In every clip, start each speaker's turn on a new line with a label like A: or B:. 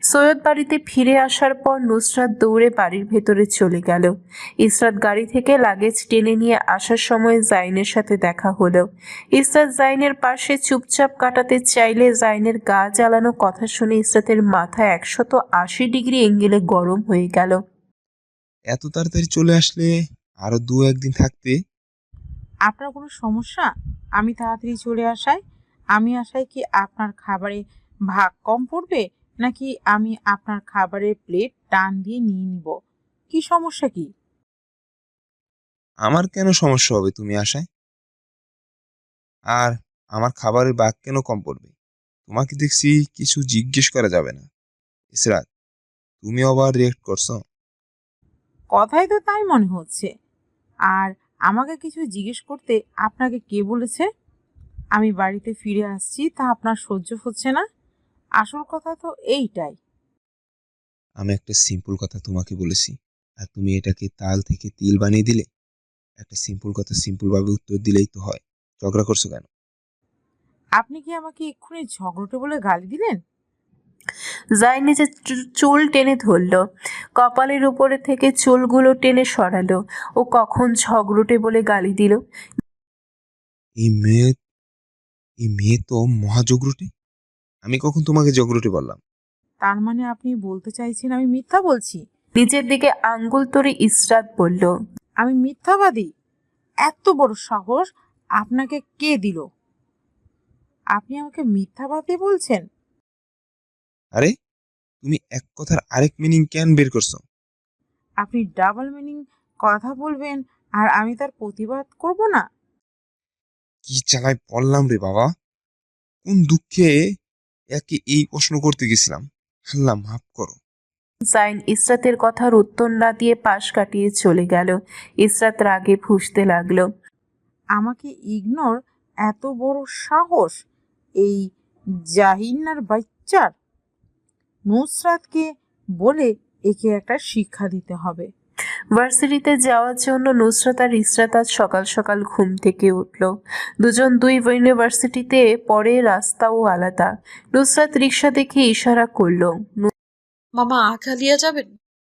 A: সৈয়দ বাড়িতে ফিরে আসার পর নুসরাত দৌড়ে বাড়ির ভেতরে চলে গেল। ইসরাত গাড়ি থেকে লাগেজ টেনে নিয়ে আসার সময় জাইনের সাথে দেখা হলো। ইসরাত জাইনের পাশে চুপচাপ কাটাতে চাইলে জাইনের গা জ্বালানো কথা শুনে ইসরাতের মাথা 180 ডিগ্রি এঙ্গেলে গরম হয়ে গেল।
B: এত তাড়াতাড়ি চলে আসলে, আরো 2-1 দিন থাকতে।
C: আপনার কোনো সমস্যা আমি তাড়াতাড়ি চলে আসায়? আমি আসায় কি আপনার খাবারে ভাগ কম পড়বে, নাকি আমি আপনার খাবারের প্লেট টান দিয়ে নিয়ে নিব? কি সমস্যা কি?
B: আমার কেন সমস্যা হবে তুমি আসায়? আর আমার খাবারের ভাগ কেন কম পড়বে? তোমাকে দেখছি কিছু জিজ্ঞেস করা যাবে না। ইসরাত, তুমি আবার রিয়েক্ট করছো?
C: কথাই তো তাই মনে হচ্ছে। আর আমাকে কিছু জিজ্ঞেস করতে আপনাকে কে বলেছে? আমি বাড়িতে ফিরে আসছি তা আপনার সহ্য হচ্ছে না? আসল কথা তো এইটাই।
B: আমি একটা সিম্পল কথা তোমাকে বলেছি, আর তুমি এটাকে তাল থেকে তিল বানিয়ে দিলে। একটা সিম্পল কথা সিম্পল ভাবে উত্তর দিলেই তো হয়। ঝগড়া করছো কেন?
C: আপনি কি আমাকে এক্ষুনি ঝগড়টে বলে গালি দিলেন?
A: জাইন নিজের চুল টেনে ধরল, কপালের উপরে থেকে চুলগুলো টেনে সরালো। ও কখন ঝগড়টে বলে গালি দিল?
B: এই মেয়ে এই মেয়ে তো মহাজগরুটে। আমি কখন তোমাকে জগরুটে বললাম?
C: তার মানে আপনি বলতে চাইছেন আমি মিথ্যা বলছি?
A: নিজের দিকে আঙ্গুল তুলে ইসরাত বলল,
C: আমি মিথ্যাবাদী? এত বড় সাহস আপনাকে কে দিল? আপনি আমাকে মিথ্যাবাদী বলছেন?
B: আরে, তুমি এক কথার আরেক মিনিং কেন বের করছো?
C: আপনি ডাবল মিনিং কথা বলবেন আর আমি তার প্রতিবাদ করব না?
B: কি চালাই বললাম রে বাবা! কোন দুঃখে একে এই প্রশ্ন করতে গেছিলাম। আল্লাহ মাফ করো।
A: জাইন ইসরাতের কথার উত্তর না দিয়ে পাশ কাটিয়ে চলে গেল। ইসরাত রাগে ফুঁসতে লাগলো।
C: আমাকে ইগনোর? এত বড় সাহস এই জাহিনার বাচ্চার! নুসরাতকে বলে একে একটা শিক্ষা দিতে হবে।
A: ভার্সিটিতে যাওয়ার জন্য নুসরাত আর ইসরাত আজ সকাল সকাল ঘুম থেকে উঠল। দুজন দুই ইউনিভার্সিটিতে পড়ে, রাস্তাও আলাদা। নুসরাত রিক্সা দেখে ইশারা করলো।
D: মামা আখালিয়া যাবেন?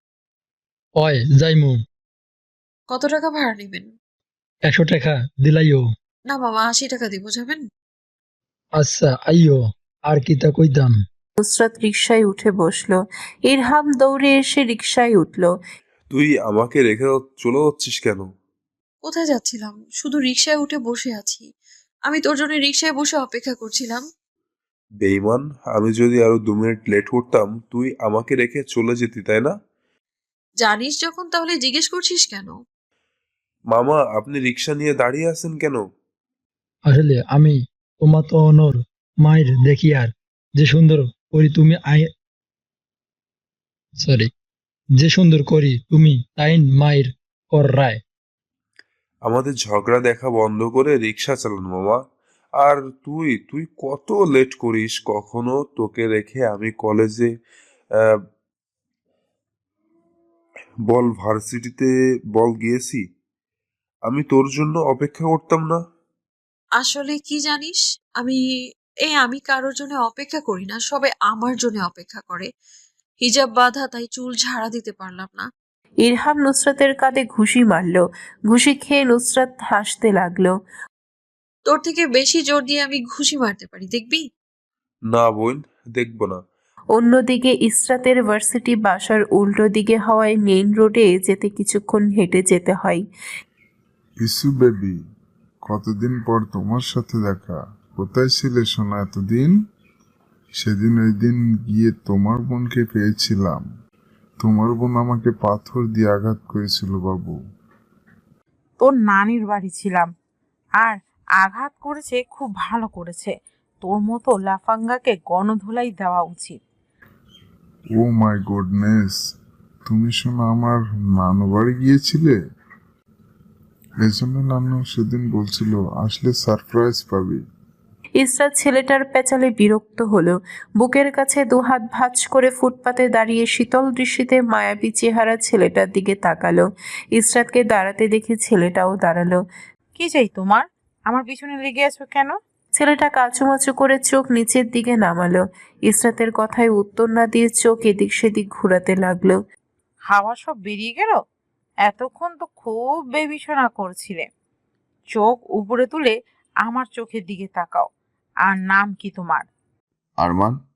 E: ওই যাইমু।
D: কত টাকা ভাড়া নেবেন?
E: 100 টাকা দিলাইও।
D: না মামা 80 টাকা দিব, যাবেন?
E: আচ্ছা আইও। আর কিতা কইতাম?
A: নুসরাত রিকশায় উঠে বসলো। ইরহাম দৌড়ে এসে রিকশায় উঠল।
F: তুই আমাকে রেখে চলে যাচ্ছিস কেন?
D: কোথায় যাচ্ছিলাম? শুধু রিক্সায় উঠে বসে আছি। আমি তোর জন্য রিক্সায় বসে অপেক্ষা করছিলাম।
F: বেইমান, আমি যদি আরো 2 মিনিট লেট করতাম তুই আমাকে রেখে চলে যেতি, তাই না?
D: জানিস যখন তাহলে জিজ্ঞেস করছিস কেন?
F: মামা, আপনি রিক্সা নিয়ে দাঁড়িয়ে আছেন কেন?
E: আসলে আমি তোমার তো অনর মায়ের দেখি আর যে সুন্দর করি তুমি সরি, যে সুন্দর করি তুমি তাইন মায়ের কর রায়।
F: আমাদের ঝগড়া দেখা বন্ধ করে রিক্সা চালান মামা। আর তুই তুই কত লেট করিস কখনো? তোকে রেখে আমি কলেজে আহ, বল ভার্সিটিতে বল গিয়েছি। আমি তোর জন্য অপেক্ষা করতাম না?
D: আসলে কি জানিস, আমি আমি কারোর জন্য অপেক্ষা করি না, সবাই আমার জন্য অপেক্ষা করে। হিজাব বাঁধা, তাই চুল ঝাড়া দিতে পারলাম না।
A: ইরহাম নুসরাতের কাঁধে ঘুষি মারল। ঘুষি খেয়ে নুসরাত হাসতে লাগলো।
D: তোর থেকে বেশি জোর দিয়ে আমি ঘুষি মারতে পারি, দেখবি?
F: না বোন, দেখবো না।
A: অন্যদিকে ইসরাতের ভার্সিটি বাসার উল্টো দিকে হওয়ায় মেইন রোডে যেতে কিছুক্ষণ হেঁটে যেতে হয়।
G: ইসু বেবি, কতদিন পর তোমার সাথে দেখা। কোথায় ছিলে সোনা এতদিন? সেদিন ওই দিন গিয়ে তোমার বোনকে পেয়েছিলাম। তোমার বোন আমাকে পাথর দিয়ে আঘাত করেছিল বাবু।
C: তোর নানির বাড়ি ছিলাম, আর আঘাত করেছে, খুব ভালো করেছে। তোর মতো লাফাঙ্গাকে গণধোলাই দেওয়া উচিত।
G: ও মাই গুডনেস, তুমি শোনা আমার নানু বাড়ি গিয়েছিলে? এজন্য নানু সেদিন বলছিল আসলে সারপ্রাইজ পাবি।
A: ইসরাত ছেলেটার পেঁচালে বিরক্ত হলো। বুকের কাছে দুহাত ভাঁজ করে ফুটপাতে দাঁড়িয়ে শীতল দৃষ্টিতে মায়াবী চেহারা ছেলেটার দিকে তাকালো। ইসরাতকে দাঁড়াতে দেখে ছেলেটাও দাঁড়ালো।
C: কি চাই তোমার? আমার পিছনে লেগে আছো কেন?
A: ছেলেটা কাচুমাচু করে চোখ নিচের দিকে নামালো। ইসরাতের কথায় উত্তর না দিয়ে চোখ এদিক সেদিক ঘোরাতে লাগলো।
C: হাওয়া সব বেরিয়ে গেল? এতক্ষণ তো খুব বেবিষণা করছিলে। চোখ উপরে তুলে আমার চোখের দিকে তাকাও। আর নাম কি তোমার?
G: আরমান।